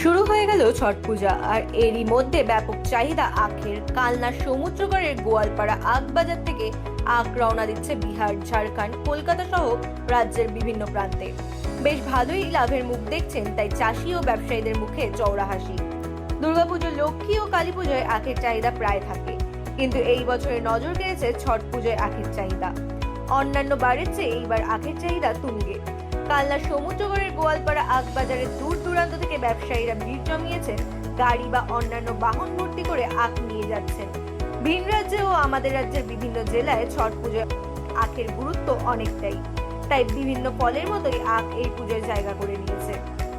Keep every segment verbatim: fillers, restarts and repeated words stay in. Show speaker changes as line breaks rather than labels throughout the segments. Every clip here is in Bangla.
শুরু হয়ে গেল ছট পূজা, আর এরই মধ্যে ব্যাপক চাহিদা আখের। কালনার সমুদ্রগড়ের গোয়ালপাড়া আখ বাজার থেকে আখ রওনা দিচ্ছে বিহার, ঝাড়খণ্ড, কলকাতা সহ রাজ্যের বিভিন্ন প্রান্তে। বেশ ভালোই লাভের মুখ দেখছেন তাই চাষি ও ব্যবসায়ীদের মুখে চওড়া হাসি। দুর্গাপুজো, লক্ষ্মী ও কালী পুজোয় আখের চাহিদা প্রায় থাকে, কিন্তু এই বছরে নজর কেড়েছে ছট পুজোয় আখের চাহিদা। অন্যান্য বারের চেয়ে এইবার আখের চাহিদা তুঙ্গে। কালনা সমুদ্রগড়ের গোয়ালপাড়া আখ বাজারে দূর দূরান্ত থেকে ব্যবসায়ীরা ভিড় জমিয়েছেন। গাড়ি বা অন্যান্য বাহন ভর্তি করে আখ নিয়ে যাচ্ছেন। ভিন রাজ্যে ও আমাদের রাজ্যের বিভিন্ন জেলায় ছট পুজোয় আখের গুরুত্ব অনেকটাই, তাই বিভিন্ন ফলের মতোই আখ এই পুজোয় জায়গা করে নিয়েছে।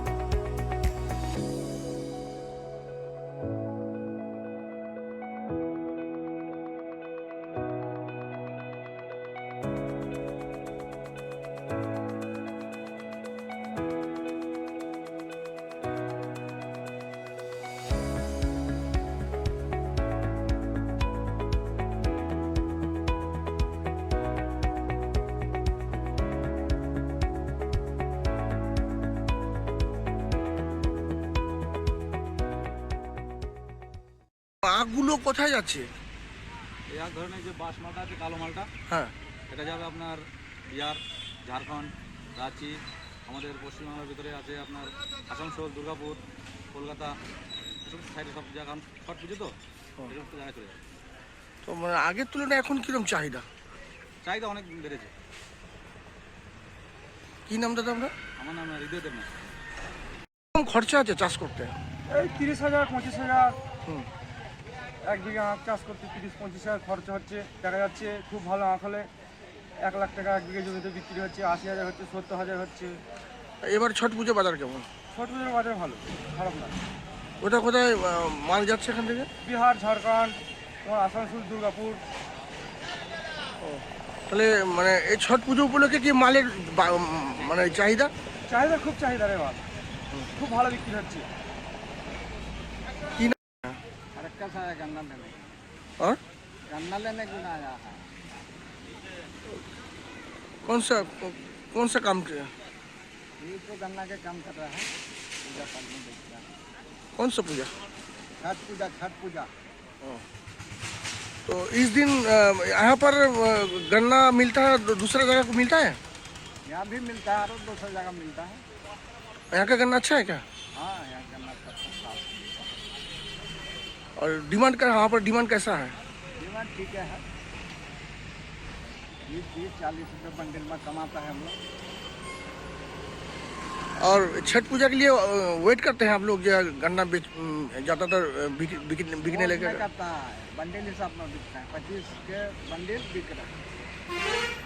আখগুলো কোথায় যাচ্ছে?
এই আখ ধরনের যে বাস মালটা আছে, কালো মালটা,
হ্যাঁ,
এটা যাবে আপনার বিহার, ঝাড়খণ্ড, রাঁচি, আমাদের পশ্চিমবাংলার ভিতরে আছে আপনার আসানসোল, দুর্গাপুর, কলকাতা, এসব সাইডে সব জায়গা। কারণ ছট পুজো তো এই সমস্ত জায়গায় চলে যাবে।
তো মানে আগের তুলনায় এখন কিরকম চাহিদা?
চাহিদা অনেক বেড়েছে।
কি নাম দাদা আমরা?
আমার নাম হৃদয় দেবনাথ।
কম খরচা আছে চাষ করতে?
এই তিরিশ হাজার পঁচিশ হাজার
হুম।
এক বিঘা আখ চাষ করতে তিরিশ পঁচিশ হাজার খরচা হচ্ছে। দেখা যাচ্ছে খুব ভালো আখ হলে এক লাখ টাকা এক বিঘা জমিতে বিক্রি হচ্ছে, আশি হাজার হচ্ছে, সত্তর হাজার হচ্ছে।
এবার ছট পুজো বাজার কেমন?
ছোট পুজোর বাজার ভালো, খারাপ না।
কোথায় কোথায় আহ, মাল যাচ্ছে এখান থেকে?
বিহার, ঝাড়খণ্ড, তোমার আসানসোল, দুর্গাপুর।
তাহলে মানে এই ছট পুজো উপলক্ষে কি মালের বা- উম, মানে চাহিদা?
চাহিদা খুব চাহিদা রে মাল, খুব ভালো বিক্রি হচ্ছে।
কি না?
আরেকটা ছাড়া গন্না लेने
और
गन्ना लेने क्यों ना आया है?
कौन सा कौन सा काम किया?
ये तो गन्ना के काम कर रहा है, पूजा पाठ में देख रहा है।
कौन सा पूजा?
छठ पूजा, छठ पूजा।
तो इस दिन अ, यहाँ पर अ, गन्ना मिलता है, दू- दूसरा जगह को मिलता है?
यहाँ भी मिलता है और दूसरी जगह मिलता है।
यहाँ का गन्ना अच्छा है क्या?
हाँ, यहाँ गन्ना सब सस्ता है।
और डिमांड का यहाँ पर डिमांड कैसा है?
डिमांड ठीक है, बीस तीस चालीस रुपये बंडल में कमाता है हम लोग।
और छठ पूजा के लिए वेट करते हैं आप लोग जो गन्ना बेच अम, ज़्यादातर बिक- बिक- बिकने
वो
लगे?
नहीं करता है, बंडल हिसाब में बिकता है, पच्चीस के बंडल बिक रहा है।